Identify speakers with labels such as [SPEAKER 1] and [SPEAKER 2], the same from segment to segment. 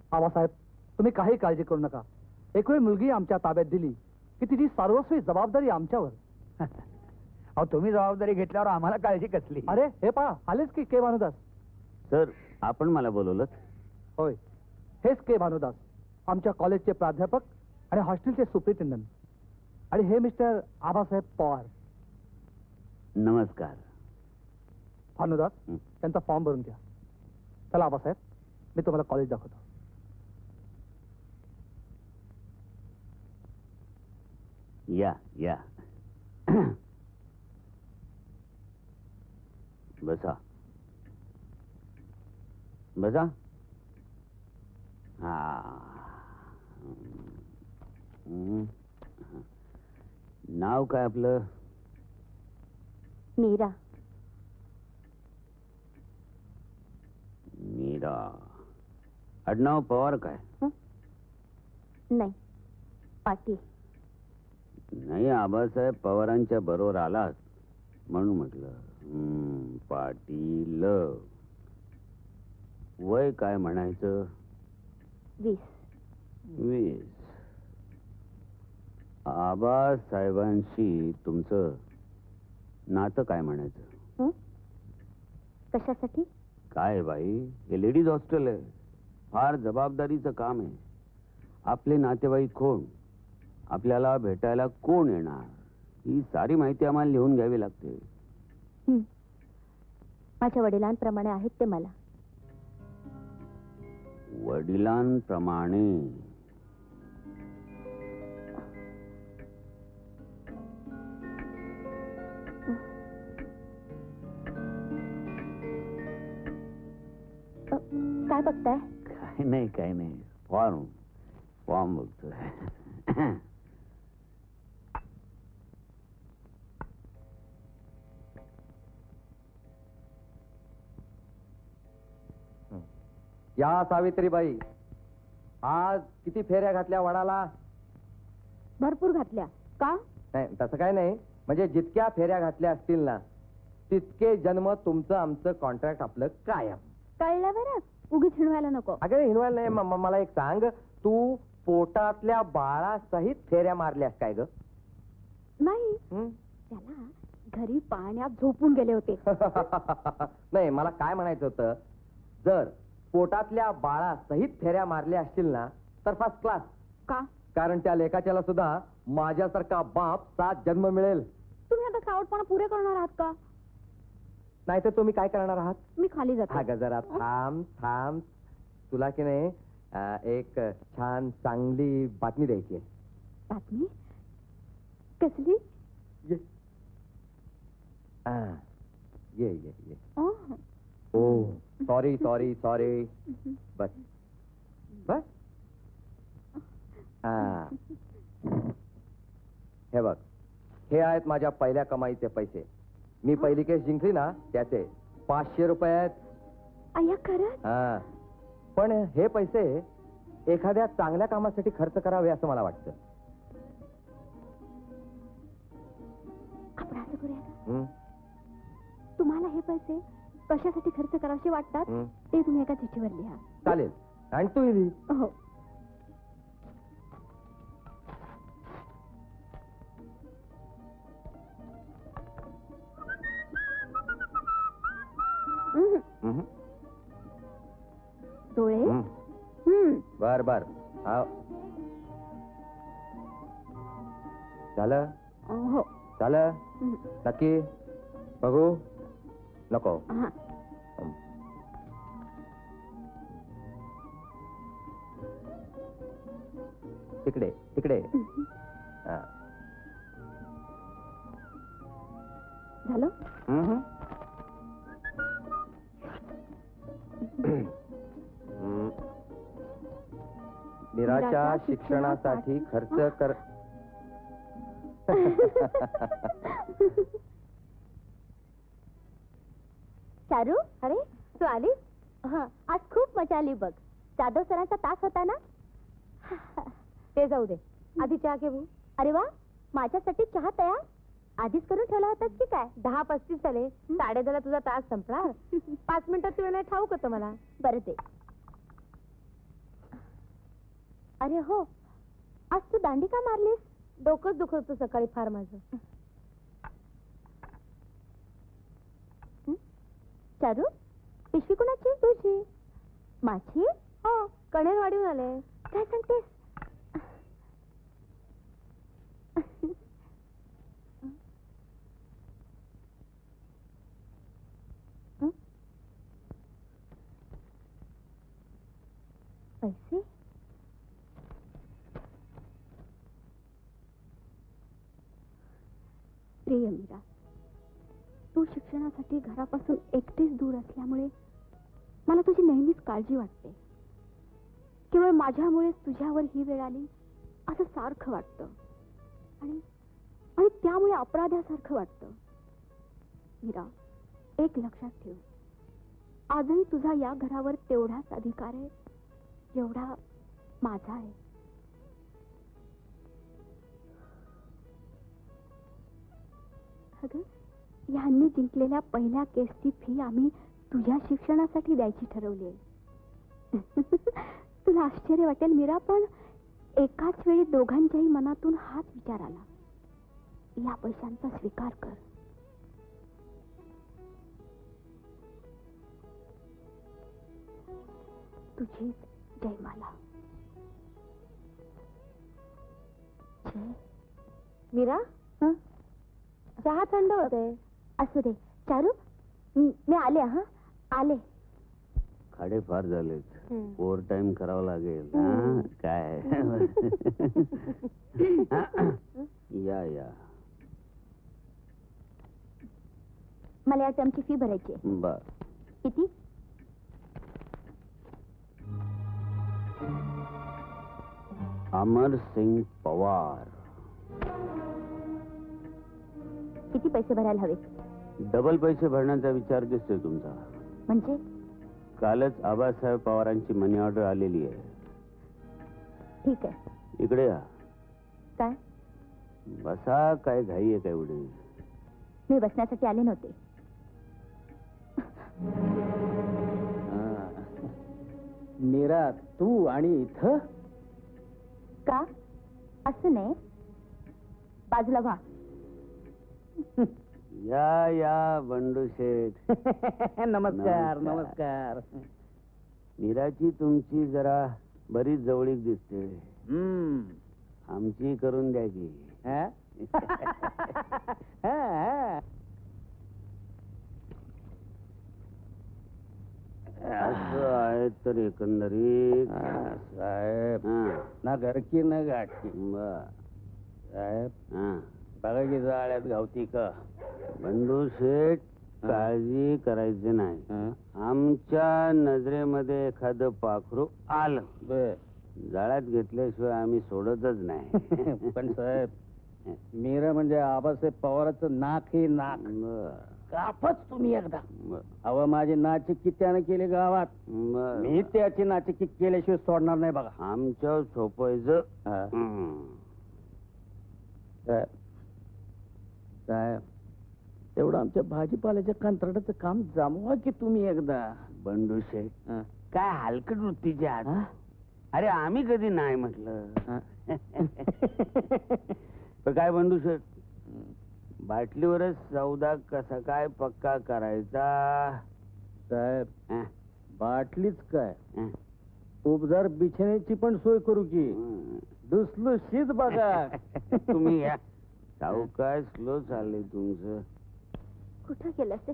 [SPEAKER 1] आबासाहेब, तुम्ही काही काळजी करू नका. एक वेळ मुलगी आमच्या ताब्यात दिली की तिची सर्वस्वी जबाबदारी आमच्यावर.
[SPEAKER 2] अहो, तुम्ही जबाबदारी घेतल्यावर आम्हाला काळजी कसली?
[SPEAKER 1] अरे हे पहा, आलेच की के भानुदास.
[SPEAKER 3] सर, आपण मला बोलवलं?
[SPEAKER 1] होय, हेच के भानुदास, आमच्या कॉलेजचे प्राध्यापक आणि हॉस्टेलचे सुप्रिटेंडंट. आणि हे मिस्टर आबासाहेब पवार.
[SPEAKER 3] नमस्कार.
[SPEAKER 1] भानुदास, त्यांचा फॉर्म भरून घ्या. चला आबासाहेब, मी तुम्हाला कॉलेज दाखवतो.
[SPEAKER 3] या या. बसा बसा. हा. नाव काय आपलं?
[SPEAKER 4] मीरा.
[SPEAKER 3] मीरा. आडनाव पवार काय?
[SPEAKER 4] नाही, पाटील.
[SPEAKER 3] नाही, आबासाहेब पवारांच्या बरोबर आलात म्हणून म्हटलं. पाटील. वय काय म्हणायचं?
[SPEAKER 4] 20.
[SPEAKER 3] 20. आबासाहेबांशी तुमचं नातं काय म्हणायचं?
[SPEAKER 4] कशासाठी?
[SPEAKER 3] काय बाई, हे लेडीज हॉस्टेल आहे, फार जबाबदारीचं काम आहे. आपले नातेवाईक कोण, आपल्याला भेटायला कोण येणार, ही सारी माहिती आम्हाला लिहून घ्यावी लागते.
[SPEAKER 4] माझ्या वडिलांप्रमाणे आहेत ते मला.
[SPEAKER 3] वडिलांप्रमाणे?
[SPEAKER 4] काय बघताय?
[SPEAKER 3] काय नाही, फॉर्म बघतोय.
[SPEAKER 5] या सावित्रीबाई, आज किती फेऱ्या घातल्या वडाला?
[SPEAKER 4] भरपूर घातल्या. का?
[SPEAKER 5] नाही, तसं काय नाही, म्हणजे जितक्या फेऱ्या घातल्या असतील ना तितके जन्म तुमचं आमचं कॉन्ट्रॅक्ट आपलं कायम.
[SPEAKER 4] कळलं बरं, उगीच हिणवायला नको.
[SPEAKER 5] अगं हिनवायला नाही, मला एक सांग, तू पोटातल्या बाळासहित फेऱ्या मारल्यास काय ग?
[SPEAKER 4] नाही, त्याला घरी पाण्यात झोपून गेले होते.
[SPEAKER 5] नाही, मला काय म्हणायचं होतं, जर पोटातल्या बाळासहित फेऱ्या मारल्या असतील ना तर फर्स्ट क्लास.
[SPEAKER 4] का?
[SPEAKER 5] कारण त्या लेखाच्याला सुद्धा माझ्यासारखा बाप 7 जन्म मिळेल.
[SPEAKER 4] तुम्ही आता सावटपणा पुरे करणार आहात का?
[SPEAKER 5] नाही तर तुम्ही काय करणार आहात?
[SPEAKER 4] मी खाली जाते.
[SPEAKER 5] अगं जरा थांब. तुला की नाही एक छान चांगली बातमी द्यायची आहे.
[SPEAKER 4] बातमी? कसली?
[SPEAKER 5] ये ये ये. ओ सॉरी. बस. हे बघ, हे आहेत माझ्या पहिल्या कमाईचे पैसे. मी पहिली केस जिंकली ना त्याचे 500 रुपये आहेत.
[SPEAKER 4] अय्या खरं?
[SPEAKER 5] पण हे पैसे एखाद्या चांगल्या कामासाठी खर्च करावे असं मला वाटतं.
[SPEAKER 4] आपण असं करूया, तुम्हाला हे पैसे कशासाठी खर्च करावे वाटतात ते तुम्ही एका चिठ्ठीवर लिहा.
[SPEAKER 5] चालेल, आणि तू लिही.
[SPEAKER 4] हो. डोळे.
[SPEAKER 5] बर झालं?
[SPEAKER 4] हो.
[SPEAKER 5] झालं? नक्की? बघू नको? तिकडे.
[SPEAKER 4] झालं?
[SPEAKER 5] मीराच्या शिक्षणासाठी खर्च कर.
[SPEAKER 4] चारू, अरे तू आली? आज खूप मजा आली बघ. जाधव सरांचा तास होता ना. ते जाऊ दे, आधी चहा घेऊ. अरे वा, माझ्यासाठी चहा तयार? आधीच करून ठेवला होतास की काय? 10:35 झाले, 10:30 तुझा तास संपला. 5 मिनिटात वेळ नाही ठाऊक होतं मला. बरं ते अरे हो, आज तू दांडी का मारलीस? डोकंच दुखत होतं सकाळी फार माझं. चारू, पिशवी कोणाची? तुझी. माझी? हो, कणेरवाडीहून आले. काय सांगतेस? पैसे? प्रिय मीरा, तू शिक्षणासाठी घरापासून एकटीच दूर असल्यामुळे मला तुझी नेहमीच काळजी वाटते. केवळ माझ्यामुळेच तुझ्यावर ही वेळ आली असं सारखं वाटतं आणि आणि त्यामुळे अपराध्यासारखं वाटतं. मीरा, एक लक्षात ठेव, आजही तुझा या घरावर तेवढाच अधिकार आहे जेवढा माझा आहे. अगं, ह्यांनी जिंकलेल्या पहिल्या केसची फी आम्ही तुझ्या शिक्षणासाठी द्यायची ठरवली आहे. तुला आश्चर्य वाटेल मीरा, पण एकाच वेळी दोघांच्याही मनातून हाच विचार आला. या पैशांचा स्वीकार कर. तुझी जयमाला. जय. मीरा, चहा थंड होते. असू दे. चारू, मी आले. हा, आले.
[SPEAKER 3] खाडे फार झालेत. ओव्हर टाइम करावं लागेल. काय या या.
[SPEAKER 4] मला या टर्मची फी भरायची आहे.
[SPEAKER 3] बर.
[SPEAKER 4] किती?
[SPEAKER 3] अमर सिंग पवार.
[SPEAKER 4] किती पैसे भरायला हवे?
[SPEAKER 3] डबल पैसे भरण्याचा विचार दिसतोय तुमचा.
[SPEAKER 4] म्हणजे?
[SPEAKER 3] कालच आबासाहेब पवारांची मनी ऑर्डर आलेली आहे.
[SPEAKER 4] ठीक आहे.
[SPEAKER 3] इकडे या.
[SPEAKER 4] काय?
[SPEAKER 3] बसा. काय घाई आहे काय एवढी?
[SPEAKER 4] मी बसण्यासाठी आले नव्हते.
[SPEAKER 2] मीरा, तू आणि इथं?
[SPEAKER 4] का? असं नाही. बाजूला व्हा.
[SPEAKER 3] या या बंडू शेठ.
[SPEAKER 2] नमस्कार. नमस्कार.
[SPEAKER 3] मीराची तुमची जरा बरीच जवळीक दिसते. आमची करून द्या की. असं आहे तर एकंदरीत
[SPEAKER 2] साहेब, ना घरकी ना गाठकी. साहेब, बघा की जाळ्यात गावती का.
[SPEAKER 3] बंडू शेठ, काळजी करायची नाही. आमच्या नजरेमध्ये एखादं पाखरू आलं, जाळ्यात घेतल्याशिवाय आम्ही सोडतच नाही.
[SPEAKER 2] पण साहेब, मीरा म्हणजे आबासाहेब पवाराचं नाक हे नाक. कापच तुम्ही एकदा. अव माझी नाचिकी त्यानं केली गावात. मी त्याची नाचिकी केल्याशिवाय सोडणार नाही बघा.
[SPEAKER 3] आमच्या सोपायचं.
[SPEAKER 2] साहेब, तेवढं आमच्या भाजीपाल्याच्या कंत्राटाचं काम जमवा की तुम्ही एकदा.
[SPEAKER 3] बंडू शेठ, काय हलकट वृत्तीचे आहात. अरे आम्ही कधी नाही म्हटलं. तर काय बंडू शेठ, बाटलीवरच सौदा कसा काय पक्का करायचा?
[SPEAKER 2] साहेब, बाटलीच काय, उपदार बिछाण्याची पण सोय करू की. दुसलूशीच बघा.
[SPEAKER 3] तुम्ही या. सावकाश स्लो चाललंय तुमचं.
[SPEAKER 4] कुठं गेलं असेल?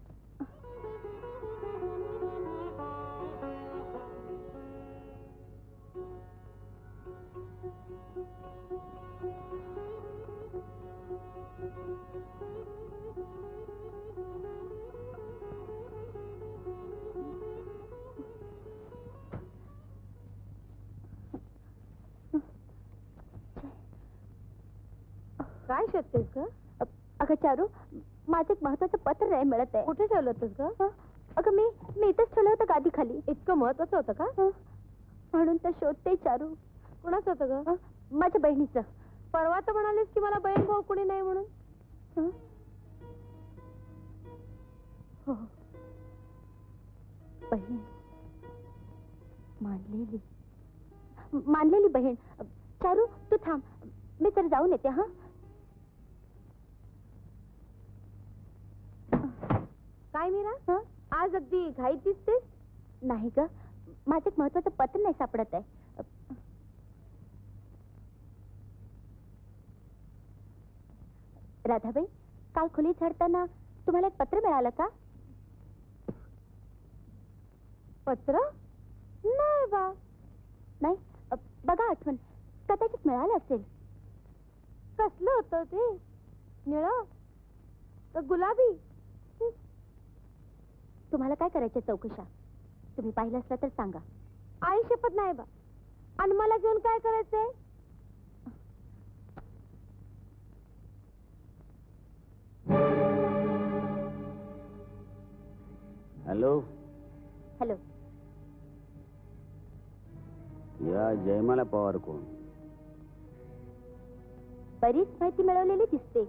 [SPEAKER 4] काय शोधतेस ग? अगं चारू, माझं एक महत्वाचं पत्र नाही मिळत आहे. कुठे ठेवलं होतंस ग? अगं मी इथंच ठेवलं होतं गादी खाली. इतकं महत्वाचं होतं का? म्हणून तर शोधते चारू. कुणाचं होतं ग? माझ्या बहिणीचं. परवा तर म्हणालीस की मला बहीण भाऊ कुणी नाही म्हणून. हो, बहीण मांडलेली. मानलेली बहीण. चारू तू थांब, मी तर जाऊन येते. हा काय मीरा, आज अगदी घाईत दिसतेस? नाही ग, माझं एक महत्वाचं पत्र नाही सापडत आहे. राधाबाई, काल खोली झाडताना तुम्हाला एक पत्र मिळालं का? पत्र नाही बा. नाही, बघा आठवण, कदाचित मिळालं असेल. कसलं होतं ते? निळं का गुलाबी? तुम्हाला काय करायचे चौकशा? तुम्ही पाहिलं असलं तर सांगा. आई शपथ नाही बा. आणि मला घेऊन काय करायचंय?
[SPEAKER 3] Hello,
[SPEAKER 4] hello.
[SPEAKER 3] या जयमाला पवार कोण?
[SPEAKER 4] बरीच माहिती मिळवलेली दिसते.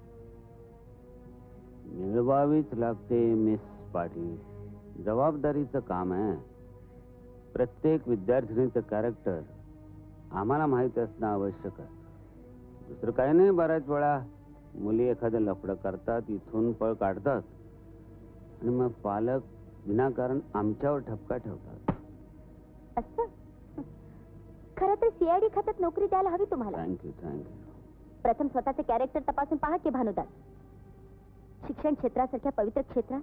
[SPEAKER 3] मिळवावीच लागते मिस पाटील, जबाबदारीचं काम आहे. प्रत्येक विद्यार्थिनीचं कॅरेक्टर आम्हाला माहिती असणं आवश्यक असतं. दुसरं काही नाही. बऱ्याच वेळा मुली एखादं लफडं करतात, इथून पळ काढतात आणि मग पालक विनाकारण आमच्यावर ठपका ठेवतात.
[SPEAKER 4] असं खरं तर सीआयडी खात्यात नोकरी द्यायला हवी तुम्हाला.
[SPEAKER 3] Thank you thank you.
[SPEAKER 4] प्रथम स्वतःचे कॅरेक्टर तपासून पहा की भानुदास. शिक्षण क्षेत्रासारख्या पवित्र क्षेत्रात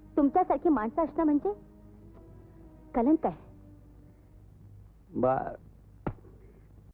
[SPEAKER 4] तुमच्यासारखी माणसं असणं म्हणजे कलंक आहे.